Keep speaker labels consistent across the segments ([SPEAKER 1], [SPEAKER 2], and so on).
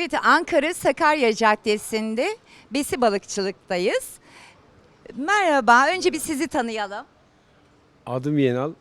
[SPEAKER 1] Evet, Ankara Sakarya Caddesi'nde besi balıkçılıktayız. Merhaba, önce bir sizi tanıyalım.
[SPEAKER 2] Adım Yenal.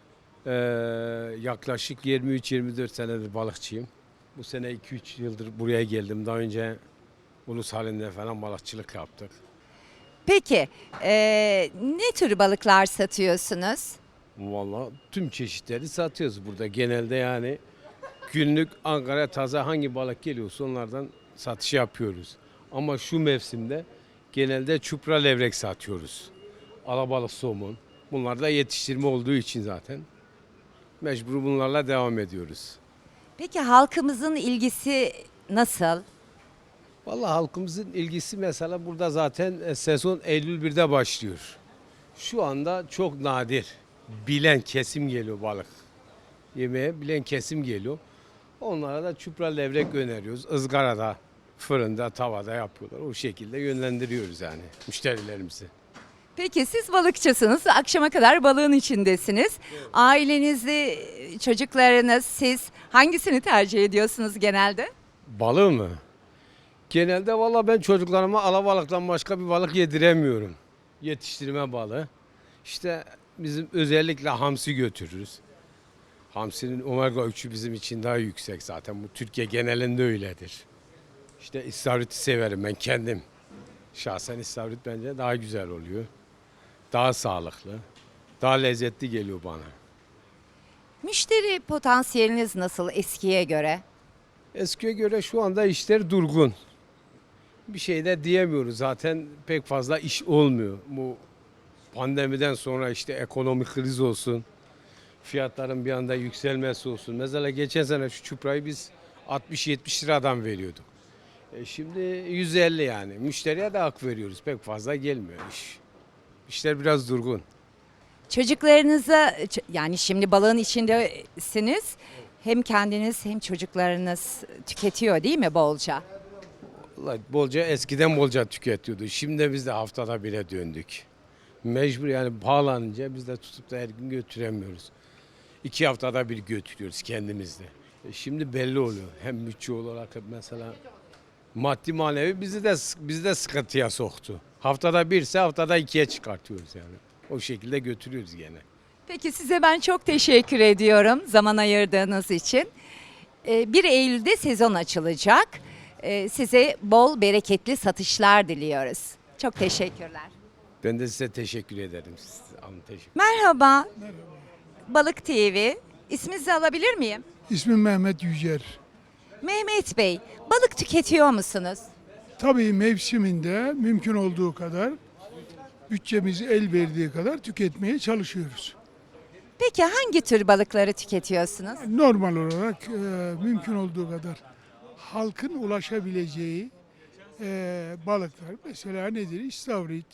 [SPEAKER 2] Yaklaşık 23-24 senedir balıkçıyım. Bu sene 2-3 yıldır buraya geldim. Daha önce ulus halinde falan balıkçılık yaptık.
[SPEAKER 1] Peki, ne tür balıklar satıyorsunuz?
[SPEAKER 2] Vallahi tüm çeşitleri satıyoruz burada. Genelde yani günlük Ankara taze hangi balık geliyorsa onlardan satış yapıyoruz. Ama şu mevsimde genelde çupra levrek satıyoruz. Alabalık, somun. Bunlar da yetiştirme olduğu için zaten mecbur bunlarla devam ediyoruz.
[SPEAKER 1] Peki halkımızın ilgisi nasıl?
[SPEAKER 2] Vallahi halkımızın ilgisi mesela burada zaten sezon Eylül 1'de başlıyor. Şu anda çok nadir bilen kesim geliyor balık. Yemeğe bilen kesim geliyor. Onlara da çupra levrek öneriyoruz. Izgarada, fırında, tavada yapıyorlar. O şekilde yönlendiriyoruz yani müşterilerimizi.
[SPEAKER 1] Peki siz balıkçısınız, akşama kadar balığın içindesiniz. Ailenizde çocuklarınız, siz hangisini tercih ediyorsunuz genelde?
[SPEAKER 2] Balığı mı? Genelde valla ben çocuklarıma alabalıktan başka bir balık yediremiyorum. Yetiştirme balığı. İşte bizim özellikle hamsi götürürüz. Hamsinin omega 3'ü bizim için daha yüksek zaten. Bu Türkiye genelinde öyledir. İşte istavriti severim ben kendim. Şahsen istavrit bence daha güzel oluyor. Daha sağlıklı. Daha lezzetli geliyor bana.
[SPEAKER 1] Müşteri potansiyeliniz nasıl eskiye göre?
[SPEAKER 2] Eskiye göre şu anda işler durgun. Bir şey de diyemiyoruz zaten pek fazla iş olmuyor. Bu pandemiden sonra işte ekonomik kriz olsun, fiyatların bir anda yükselmesi olsun. Mesela geçen sene şu çuprayı biz 60-70 liradan veriyorduk. Şimdi 150 yani. Müşteriye de hak veriyoruz. Pek fazla gelmiyor iş. İşler biraz durgun.
[SPEAKER 1] Çocuklarınıza yani şimdi balığın içindesiniz. Hem kendiniz hem çocuklarınız tüketiyor değil mi bolca?
[SPEAKER 2] Vallahi bolca eskiden bolca tüketiyordu. Şimdi biz de haftada bire döndük. Mecbur yani pahalanınca biz de tutup da her gün götüremiyoruz. 2 haftada bir götürüyoruz kendimizde. Şimdi belli oluyor. Hem bütçe olarak mesela maddi manevi bizi de sıkıntıya soktu. Haftada birse haftada ikiye çıkartıyoruz yani. O şekilde götürüyoruz gene.
[SPEAKER 1] Peki size ben çok teşekkür ediyorum zaman ayırdığınız için. 1 Eylül'de sezon açılacak. Size bol bereketli satışlar diliyoruz. Çok teşekkürler.
[SPEAKER 2] Ben de size teşekkür ederim. Teşekkür.
[SPEAKER 1] Merhaba. Balık TV. İsminizi alabilir miyim?
[SPEAKER 3] İsmim Mehmet Yücer.
[SPEAKER 1] Mehmet Bey, balık tüketiyor musunuz?
[SPEAKER 3] Tabii mevsiminde mümkün olduğu kadar bütçemiz el verdiği kadar tüketmeye çalışıyoruz.
[SPEAKER 1] Peki hangi tür balıkları tüketiyorsunuz?
[SPEAKER 3] Normal olarak mümkün olduğu kadar halkın ulaşabileceği balıklar. Mesela nedir? İstavrit,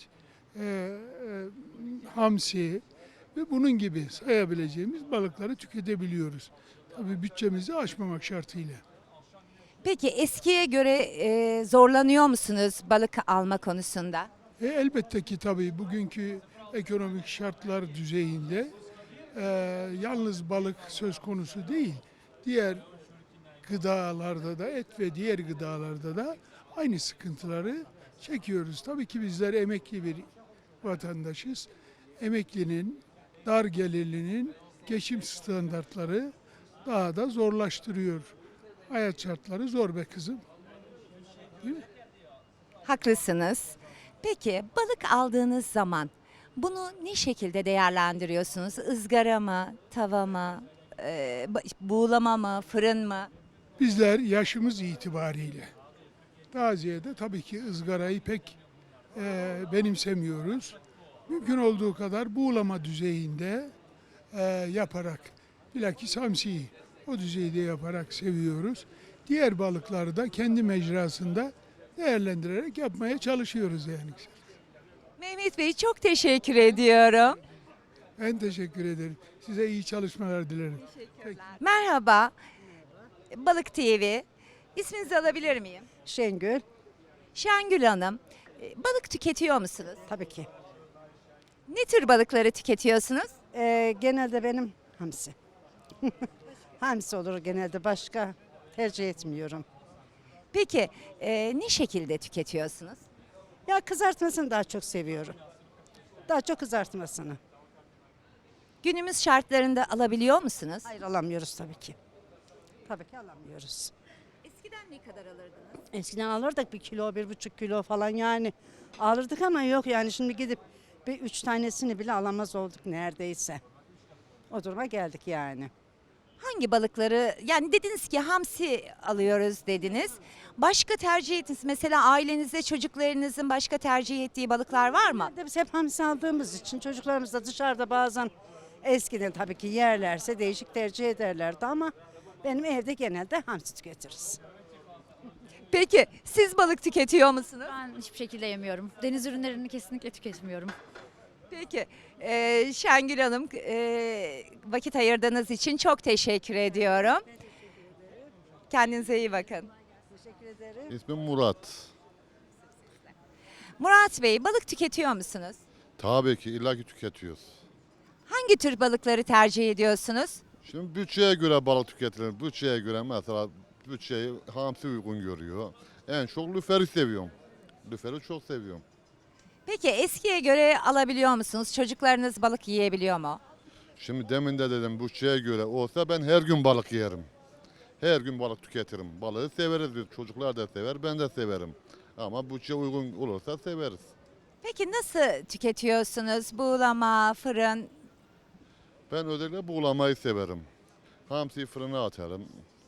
[SPEAKER 3] hamsi ve bunun gibi sayabileceğimiz balıkları tüketebiliyoruz. Tabii bütçemizi aşmamak şartıyla.
[SPEAKER 1] Peki eskiye göre zorlanıyor musunuz balık alma konusunda?
[SPEAKER 3] Elbette ki tabii bugünkü ekonomik şartlar düzeyinde yalnız balık söz konusu değil. Diğer gıdalarda da et ve diğer gıdalarda da aynı sıkıntıları çekiyoruz. Tabii ki bizler emekli bir vatandaşız. Emeklinin, dar gelirlinin geçim standartları daha da zorlaştırıyor. Hayat şartları zor be kızım. Değil mi?
[SPEAKER 1] Haklısınız. Peki balık aldığınız zaman bunu ne şekilde değerlendiriyorsunuz? Izgara mı, tava mı, buğulama mı, fırın mı?
[SPEAKER 3] Bizler yaşımız itibariyle daha ziyade tabii ki ızgarayı pek benimsemiyoruz. Mümkün olduğu kadar buğulama düzeyinde yaparak, bilakis hamsiyi o düzeyde yaparak seviyoruz. Diğer balıkları da kendi mecrasında değerlendirerek yapmaya çalışıyoruz yani.
[SPEAKER 1] Mehmet Bey çok teşekkür ediyorum.
[SPEAKER 3] Ben teşekkür ederim. Size iyi çalışmalar dilerim.
[SPEAKER 1] Merhaba. Balık TV. İsminizi alabilir miyim?
[SPEAKER 4] Şengül,
[SPEAKER 1] Şengül Hanım. Balık tüketiyor musunuz?
[SPEAKER 4] tabii ki.
[SPEAKER 1] Ne tür balıkları tüketiyorsunuz?
[SPEAKER 4] Genelde benim hamsi. Hamsi olur genelde, başka tercih etmiyorum.
[SPEAKER 1] Peki ne şekilde tüketiyorsunuz?
[SPEAKER 4] Ya kızartmasını daha çok seviyorum. Daha çok kızartmasını.
[SPEAKER 1] Günümüz şartlarında alabiliyor musunuz?
[SPEAKER 4] Hayır alamıyoruz tabii ki. Tabii ki alamıyoruz.
[SPEAKER 1] Eskiden ne kadar alırdınız?
[SPEAKER 4] Eskiden alırdık 1 kilo, 1,5 kilo falan yani. Alırdık ama yok yani şimdi gidip bir 3 tanesini bile alamaz olduk neredeyse. O duruma geldik yani.
[SPEAKER 1] Hangi balıkları, yani dediniz ki hamsi alıyoruz dediniz. Başka tercih ettiniz. Mesela ailenizde çocuklarınızın başka tercih ettiği balıklar var mı?
[SPEAKER 4] Biz hep hamsi aldığımız için çocuklarımız da dışarıda bazen eskiden tabii ki yerlerse değişik tercih ederlerdi ama benim evde genelde hamsi tüketiriz.
[SPEAKER 1] Peki siz balık tüketiyor musunuz?
[SPEAKER 5] Ben hiçbir şekilde yemiyorum. Deniz ürünlerini kesinlikle tüketmiyorum.
[SPEAKER 1] Peki Şengül Hanım vakit ayırdığınız için çok teşekkür ediyorum. Kendinize iyi bakın.
[SPEAKER 4] Teşekkür ederim.
[SPEAKER 6] İsmim Murat.
[SPEAKER 1] Murat Bey, balık tüketiyor musunuz?
[SPEAKER 6] Tabii ki illaki tüketiyoruz.
[SPEAKER 1] Hangi tür balıkları tercih ediyorsunuz?
[SPEAKER 6] Şimdi bütçeye göre balık tüketilir. Bütçeye göre mesela bütçeyi hamsi uygun görüyor. En çok lüferi seviyorum. Lüferi çok seviyorum.
[SPEAKER 1] Peki eskiye göre alabiliyor musunuz? Çocuklarınız balık yiyebiliyor mu?
[SPEAKER 6] Şimdi demin de dedim bütçeye göre olsa ben her gün balık yerim. Her gün balık tüketirim. Balığı severiz biz. Çocuklar da sever, ben de severim. Ama bütçe uygun olursa severiz.
[SPEAKER 1] Peki nasıl tüketiyorsunuz? Buğulama, fırın.
[SPEAKER 6] Ben özellikle buğulamayı severim. Hamsiyi fırına atarım.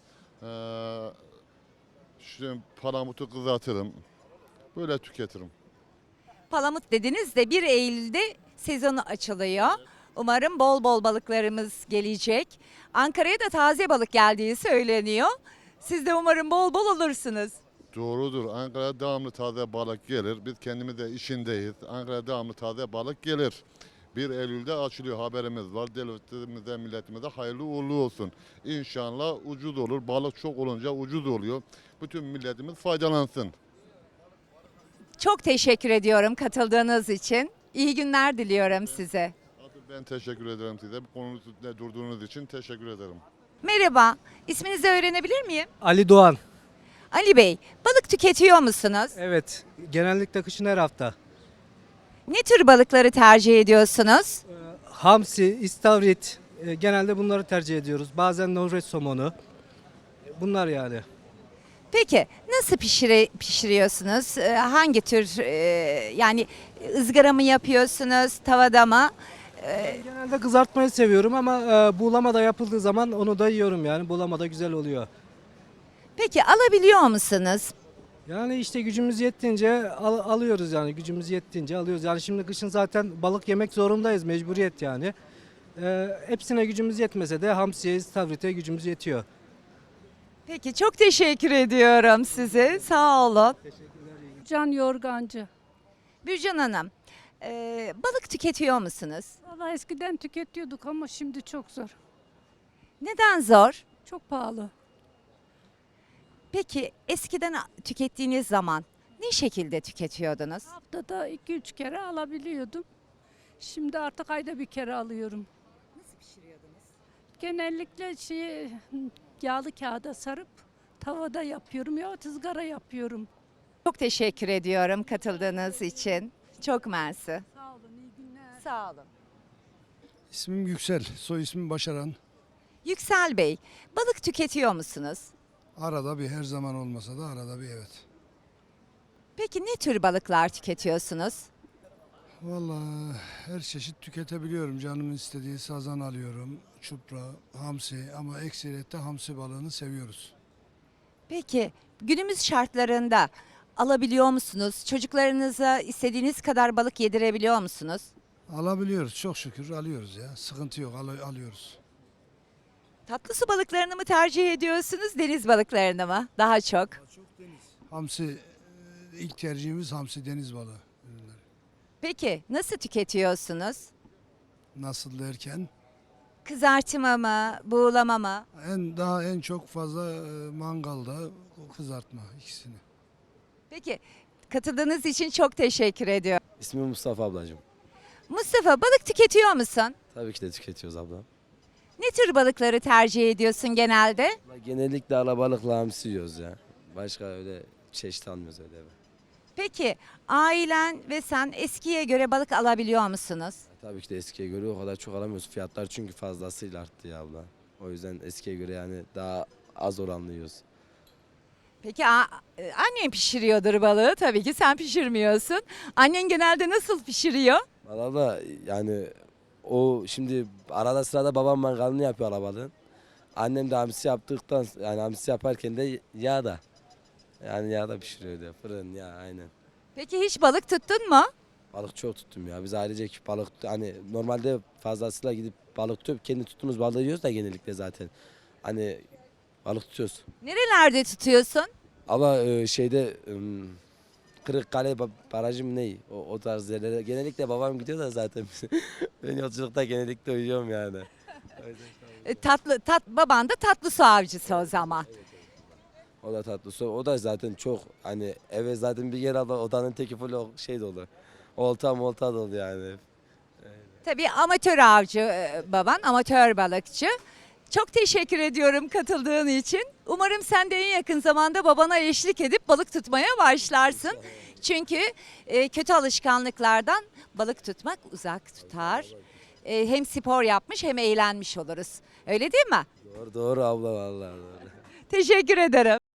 [SPEAKER 6] Şimdi palamutu kızartırım. Böyle tüketirim.
[SPEAKER 1] Palamut dediniz de 1 Eylül'de sezonu açılıyor. Umarım bol bol balıklarımız gelecek. Ankara'ya da taze balık geldiği söyleniyor. Siz de umarım bol bol olursunuz.
[SPEAKER 6] Doğrudur. Ankara'ya devamlı taze balık gelir. Biz kendimiz de işindeyiz. Ankara'ya devamlı taze balık gelir. 1 Eylül'de açılıyor, haberimiz var. Devletimize, milletimize hayırlı uğurlu olsun. İnşallah ucuz olur. Balık çok olunca ucuz oluyor. Bütün milletimiz faydalansın.
[SPEAKER 1] Çok teşekkür ediyorum katıldığınız için. İyi günler diliyorum size.
[SPEAKER 6] Ben teşekkür ederim size. Bu konunun üstünde durduğunuz için teşekkür ederim.
[SPEAKER 1] Merhaba, isminizi öğrenebilir miyim?
[SPEAKER 7] Ali Doğan.
[SPEAKER 1] Ali Bey, balık tüketiyor musunuz?
[SPEAKER 7] Evet, genellikle kışın her hafta.
[SPEAKER 1] Ne tür balıkları tercih ediyorsunuz?
[SPEAKER 7] Hamsi, istavrit, genelde bunları tercih ediyoruz. Bazen Norveç somonu. Bunlar yani.
[SPEAKER 1] Peki nasıl pişiriyorsunuz? Hangi tür yani ızgara mı yapıyorsunuz, tavada mı?
[SPEAKER 7] Genelde kızartmayı seviyorum ama buğulama da yapıldığı zaman onu da yiyorum yani. Buğulama da güzel oluyor.
[SPEAKER 1] Peki alabiliyor musunuz?
[SPEAKER 7] Yani işte gücümüz yettiğince alıyoruz yani. Gücümüz yettiğince alıyoruz. Yani şimdi kışın zaten balık yemek zorundayız. Mecburiyet yani. Hepsine gücümüz yetmese de hamsiye, istavrite gücümüz yetiyor.
[SPEAKER 1] Peki çok teşekkür ediyorum size. Sağ olun.
[SPEAKER 8] Can Yorgancı.
[SPEAKER 1] Bürcan Hanım, balık tüketiyor musunuz?
[SPEAKER 8] Vallahi eskiden tüketiyorduk ama şimdi çok zor.
[SPEAKER 1] Neden zor?
[SPEAKER 8] Çok pahalı.
[SPEAKER 1] Peki eskiden tükettiğiniz zaman ne şekilde tüketiyordunuz?
[SPEAKER 8] Haftada 2-3 kere alabiliyordum. Şimdi artık ayda bir kere alıyorum.
[SPEAKER 1] Nasıl pişiriyordunuz?
[SPEAKER 8] Genellikle yağlı kağıda sarıp tavada yapıyorum ya ızgara yapıyorum.
[SPEAKER 1] Çok teşekkür ediyorum katıldığınız için. Çok mersi.
[SPEAKER 8] Sağ olun, iyi günler.
[SPEAKER 1] Sağ olun.
[SPEAKER 9] İsmim Yüksel, soy ismim Başaran.
[SPEAKER 1] Yüksel Bey, balık tüketiyor musunuz?
[SPEAKER 9] Arada bir, her zaman olmasa da arada bir, evet.
[SPEAKER 1] Peki ne tür balıklar tüketiyorsunuz?
[SPEAKER 9] Vallahi her çeşit tüketebiliyorum. Canımın istediği sazan alıyorum, çupra, hamsi ama ekseriyette hamsi balığını seviyoruz.
[SPEAKER 1] Peki günümüz şartlarında alabiliyor musunuz? Çocuklarınıza istediğiniz kadar balık yedirebiliyor musunuz?
[SPEAKER 9] Alabiliyoruz, çok şükür alıyoruz ya. Sıkıntı yok, alıyoruz.
[SPEAKER 1] Tatlı su balıklarını mı tercih ediyorsunuz, deniz balıklarını mı? Daha çok.
[SPEAKER 9] Hamsi, ilk tercihimiz hamsi, deniz balığı ürünleri.
[SPEAKER 1] Peki nasıl tüketiyorsunuz?
[SPEAKER 9] Nasıl derken?
[SPEAKER 1] Kızartma mı, buğulama mı?
[SPEAKER 9] En çok fazla mangalda kızartma ikisini.
[SPEAKER 1] Peki katıldığınız için çok teşekkür ediyorum.
[SPEAKER 10] İsmim Mustafa ablacığım.
[SPEAKER 1] Mustafa, balık tüketiyor musun?
[SPEAKER 10] Tabii ki de tüketiyoruz abla.
[SPEAKER 1] Ne tür balıkları tercih ediyorsun genelde?
[SPEAKER 10] Genellikle alabalıkla hamsi yiyoruz ya. Başka öyle çeşit almıyoruz öyle eve.
[SPEAKER 1] Peki ailen ve sen eskiye göre balık alabiliyor musunuz?
[SPEAKER 10] Tabii ki de eskiye göre o kadar çok alamıyoruz. Fiyatlar çünkü fazlasıyla arttı ya abla. O yüzden eskiye göre yani daha az oranlı yiyoruz.
[SPEAKER 1] Peki annen pişiriyordur balığı, tabii ki sen pişirmiyorsun. Annen genelde nasıl pişiriyor?
[SPEAKER 10] Valla da yani o şimdi arada sırada babam mangalını yapıyor alabalığın. Annem de hamsi yaptıktan yani hamsi yaparken de yağ da. Yani yağda pişiriyor diyor. Fırın ya aynen.
[SPEAKER 1] Peki hiç balık tuttun mu?
[SPEAKER 10] Balık çok tuttum ya. Biz ailecek balık hani normalde fazlasıyla gidip balık tutup kendi tuttuğumuz balığı yiyoruz da genellikle zaten. Hani balık tutuyoruz.
[SPEAKER 1] Nerelerde tutuyorsun?
[SPEAKER 10] Ama şeyde Kırıkkale Barajı mı ne? O tarz yerlere. Genellikle babam gidiyor da zaten. Ben yolculukta genellikle uyuyorum yani.
[SPEAKER 1] Baban da tatlı su avcısı o zaman.
[SPEAKER 10] O da tatlı su. O da zaten çok hani eve zaten bir yer aldı odanın teki full şey dolu. Olta molta dolu yani.
[SPEAKER 1] Tabii amatör avcı baban, amatör balıkçı. Çok teşekkür ediyorum katıldığın için. Umarım sen de en yakın zamanda babana eşlik edip balık tutmaya başlarsın. Çünkü kötü alışkanlıklardan balık tutmak uzak tutar. Hem spor yapmış hem eğlenmiş oluruz. Öyle değil mi?
[SPEAKER 10] Doğru abla vallahi doğru.
[SPEAKER 1] Teşekkür ederim.